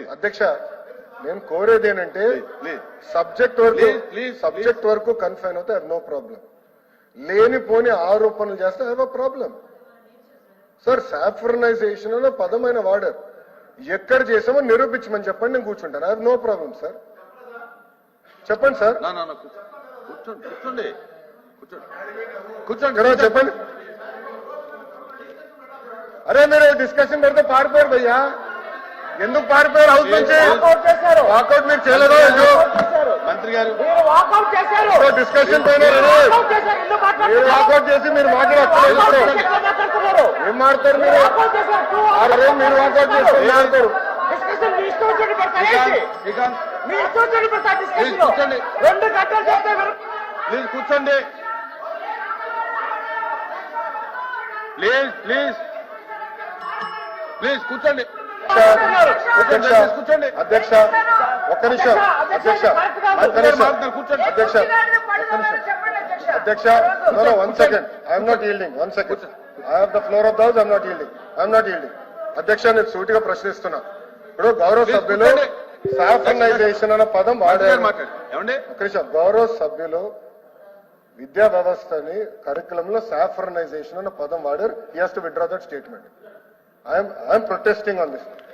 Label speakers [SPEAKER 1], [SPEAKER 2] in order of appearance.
[SPEAKER 1] అధ్యక్ష నేను కోరేది ఏంటంటే సబ్జెక్ట్ వరకు కన్ఫైన్ అవుతే నో ప్రాబ్లం. లేనిపోని ఆరోపణలు చేస్తే have a problem. Sir saffronisation అనే పదమైన వాడారు. ఎక్కడ చేసామో నిరూపించమని చెప్పండి, నేను కూర్చుంటాను. I have no problem sir. చెప్పండి సార్. కూర్చోండి చెప్పండి. అరే మీరు డిస్కషన్ పెడితే పారిపోయారు భయ్యా. ఎందుకు పారిపోయారు? హౌస్ నుంచి వాకౌట్ మీరు చేయలేదు.
[SPEAKER 2] మంత్రి గారు
[SPEAKER 1] డిస్కషన్ పోయినారు. మీరు వాకౌట్ చేసి మీరు మాట్లాడతారు. ఏం మాడతారు మీరు? అరే మీరు వాకౌట్ చేసి మాట్లాడతారు.
[SPEAKER 2] ప్లీజ్ కూర్చోండి. ప్లీజ్ కూర్చోండి. కూర్చోండి
[SPEAKER 1] అధ్యక్ష ఒక్క నిమిషం. అధ్యక్ష
[SPEAKER 2] కూర్చోండి.
[SPEAKER 1] అధ్యక్ష అధ్యక్ష one second. I'm not yielding. One second. I have the floor of the house. I'm not yielding. అధ్యక్ష నేను సూటిగా ప్రశ్నిస్తున్నా. ఇప్పుడు గౌరవ సభ్యులు సాఫ్రనైజేషన్ అన్న పదం వాడారు. గౌరవ సభ్యులు విద్యా వ్యవస్థని కరికులంలో సాఫ్రనైజేషన్ అన్న పదం వాడారు. He has to withdraw that statement. I'm protesting on this.